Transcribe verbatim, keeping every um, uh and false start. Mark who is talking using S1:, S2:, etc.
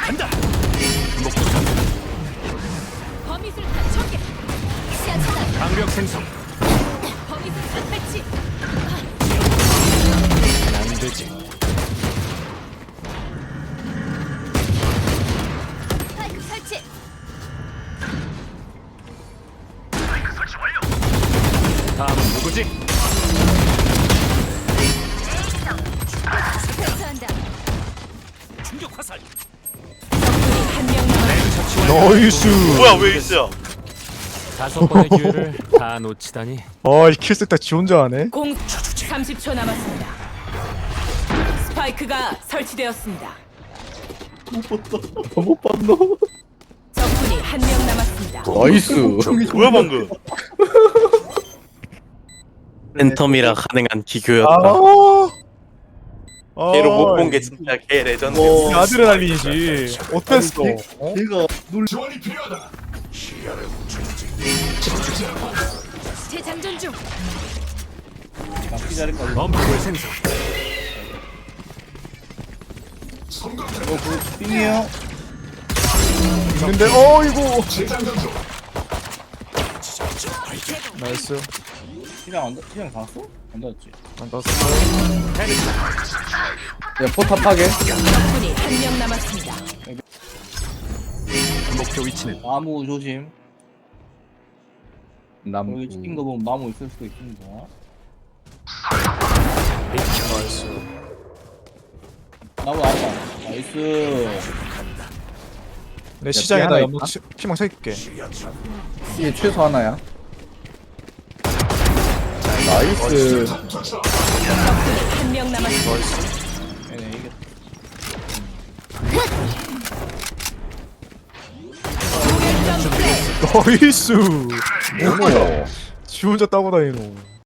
S1: 간다. 목표
S2: 범위술탄 전개. 시야 차단.
S1: 강력 생성.
S2: 범위술탄 배치.
S1: 안 되지.
S2: 스파이크 설치.
S1: 다음은 누구지?
S2: 설치한다.
S1: 충격 화살.
S2: 적군이 한명 남았습니다.
S3: 나이스.
S4: 뭐야 왜 있어요?
S1: 다섯 번의 기회를 다 놓치다니.
S3: 아이 킬색 다지 혼자 하네.
S2: 공 삼십 초 남았습니다. 스파이크가 설치되었습니다.
S5: 못 봤노?
S2: 적군이 한 명 남았습니다.
S5: 나이스.
S4: 뭐야 방금?
S6: 팬텀이라 가능한
S3: 아.
S6: 기교였다.
S3: 아.
S6: 걔로 못 본 게 진짜 개 레전드.
S3: 이 아드레날린이지. 어땠어? 어?
S5: 걔가 놀.
S2: 재장전 중.
S5: 막기 잘했거든.
S1: 범프를 생성.
S5: 어, 그 빙이에요.
S3: 있는데 어이구. 나이스.
S5: 시장 안 닿, 시장 닿았어? 안 닿았지.
S3: 안 떴어.
S5: 야, 포탑 파괴.
S2: 적군이 한 명 남았습니다.
S1: 목표 위치는
S5: 나무 조심.
S7: 나무
S5: 여기 찍힌 거 보면 나무 있을 수도 있습니다.
S3: 나이스.
S5: 나무 아니다. 나이스.
S3: 내 시장에다
S7: 하나
S3: 연막
S7: 있나?
S3: 치- 피망 쳐줄게.
S7: 이게 최소 하나야. 나이스.
S2: 적군이 한 명 남았습니다.
S5: 얘네 이게
S2: 무결점 플레이.
S3: 나이스.
S7: 어머.
S3: 지 혼자 따고 다니노.